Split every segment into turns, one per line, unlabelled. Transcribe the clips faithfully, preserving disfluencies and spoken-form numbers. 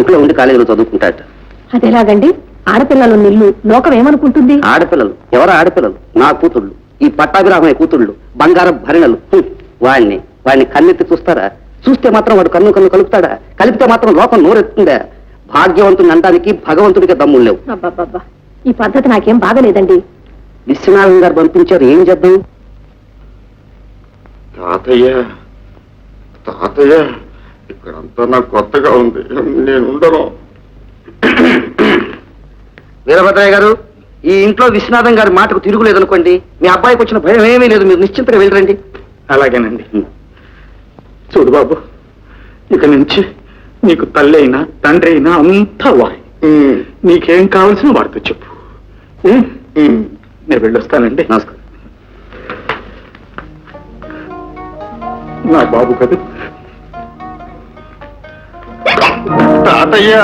ఇంట్లో ఉండి కాలేజీలో చదువుకుంటాట.
అదేలాగండి? ఆడపిల్లలు నిల్లు లోకం ఏమనుకుంటుంది?
ఆడపిల్లలు ఎవరు? ఆడపిల్లలు నా కూతుళ్ళు, ఈ పట్టాభిరామయ్య కూతుళ్ళు, బంగారం భరిణలు. వాడిని వాడిని కన్నెత్తి చూస్తారా? చూస్తే మాత్రం వాడు కన్ను కన్ను కలుపుతాడా? కలిపితే మాత్రం లోకం నోరెత్తుందా? భాగ్యవంతుని అనడానికి భగవంతుడికి దమ్ములు లేవు.
అబ్బాబ్బా, ఈ పద్ధతి నాకేం బాగలేదండి.
విశ్వనాథం గారు పంపించారు, ఏం చేద్దాం?
తాతయ్య తాతయ్య ఇక్కడంతా నాకు కొత్తగా ఉంది, నేను ఉండను.
వీరభద్రయ్య గారు, ఈ ఇంట్లో విశ్వనాథం గారి మాటకు తిరుగులేదనుకోండి, మీ అబ్బాయికి వచ్చిన భయం ఏమీ లేదు, మీరు నిశ్చింతగా వెళ్ళరండి.
అలాగేనండి. చూడు బాబు, ఇక నుంచి నీకు తల్లి అయినా తండ్రి అయినా అంతా వాయి. నీకేం కావాల్సిన వాడితో చెప్పు. నేను వెళ్ళొస్తానండి.
నమస్కారం.
నా బాబు కదా తాతయ్య.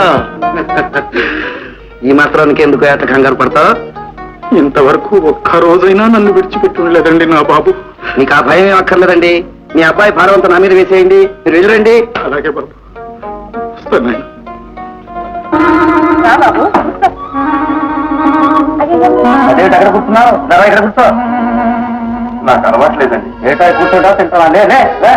ఈ మాత్రానికి ఎందుకు ఏట కంగారు పడతావు?
ఇంతవరకు ఒక్క రోజైనా నన్ను విడిచిపెట్టి ఉండలేదండి నా బాబు.
మీకు ఆ భయం ఏం అక్కర్లేదండి. మీ అబ్బాయి భారవంతా నా మీద వేసేయండి, మీరు వెళ్ళరండి.
అలాగే బాబు, వస్తాను.
అదేంటి అక్కడ కూర్చున్నావు? ధర ఇక్కడ కూర్చో.
నాకు అలవాట్లేదండి.
ఏటా కూర్చోటా తింటావా? లే లే, లే.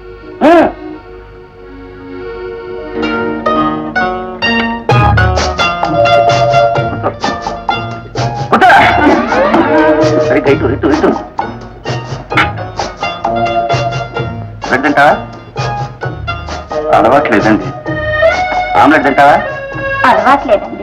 సరిగ్గా ఇటు ఇటు ఇటు. బ్రెడ్ తింటావా?
అలవాట్లేదండి.
ఆమ్లెట్ తింటావా?
అలవాట్లేదండి.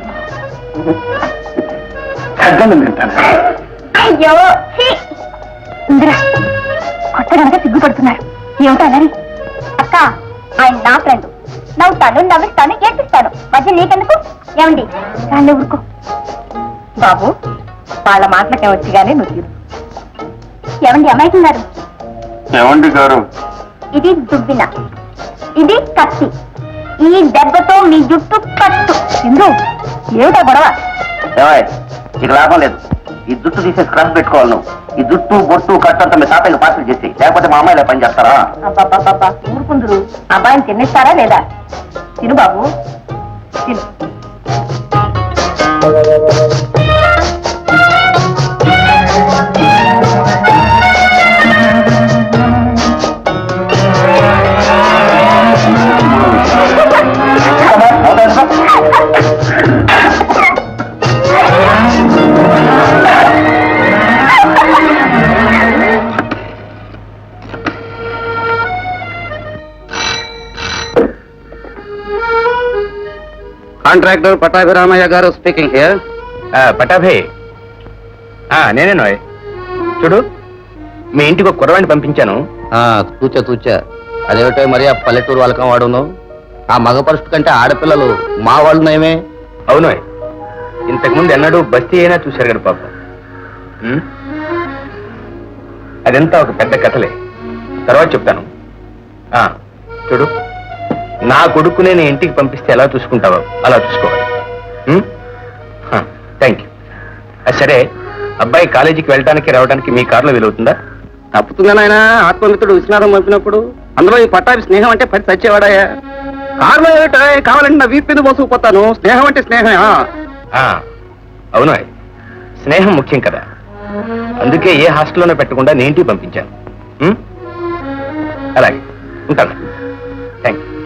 అడ్డం తింటాను.
అయ్యో ఇందిరా, కొత్త కనుక సిగ్గుపడుతున్నారు. ఏమిటనని? అక్క, ఆయన నా ఫ్రెండ్. నవ్వుతాను, నవ్విస్తాను, ఏడ్పిస్తాను. మధ్య నీకెందుకు? ఏమండి దాన్ని ఊరుకో. బాబు, వాళ్ళ మాటలకే వచ్చి గానీ నువ్వు తీరు. ఏమండి అమాయకున్నారు?
ఏమండి గారు?
ఇది దుబ్బిన, ఇది కత్తి. ఈ దెబ్బతో మీ జుట్టు కట్టు. ఇందు, ఏమిటా గొడవ?
ఏమాయ్, నీకు లాభం లేదు. ఈ జుట్టు తీసేసి క్లాస్ పెట్టుకోవాలి నువ్వు. ఈ జుట్టు బొట్టు కట్టంతా మీ తాతయ్యకి పార్సల్ చేసి, లేకపోతే మా అమ్మాయిలే పని చేస్తారా?
అబ్బాబ్బాబ్బా, ఊరుకుందరు. అబ్బాయిని తినేస్తారా లేదా? తిను బాబు, తిను.
కాంట్రాక్టర్ పట్టాభిరామయ్య గారు స్పీకింగ్ హియర్.
పటాభే, నేనే నోయ్. చూడు, మీ ఇంటికి ఒక కుర్రవాణ్ణి పంపించాను.
తూచా తూచా. అదేమిటో మరి ఆ పల్లెటూరు వాళ్ళకం వాడును. ఆ మగ పరుషుడు కంటే ఆడపిల్లలు మా వాళ్ళు నయమే.
అవును, ఇంతకుముందు ఎన్నడూ బస్తీ అయినా చూశారు కదా పాప. అదంతా ఒక పెద్ద కథలే, తర్వాత చెప్తాను. చూడు, నా కొడుకు నేను ఇంటికి పంపిస్తే ఎలా చూసుకుంటావో అలా చూసుకోవాలి. Thank you. సరే, అబ్బాయి కాలేజీకి వెళ్ళడానికి రావడానికి మీ కారులో వీలవుతుందా?
తప్పుతుందా నాయన? ఆత్మమిత్రుడు విశ్వనాథం పంపినప్పుడు అందులో ఈ పట్టాభి స్నేహం అంటే పడి చచ్చేవాడాయా? కారులో ఏమిటో కావాలంటే నా వీపు మీద మోసుకుపోతాను. స్నేహం అంటే స్నేహమే.
అవును, స్నేహం ముఖ్యం కదా. అందుకే ఏ హాస్టల్లోనే పెట్టకుండా నేను ఇంటికి పంపించాను. అలాగే ఉంటాను. Thank you.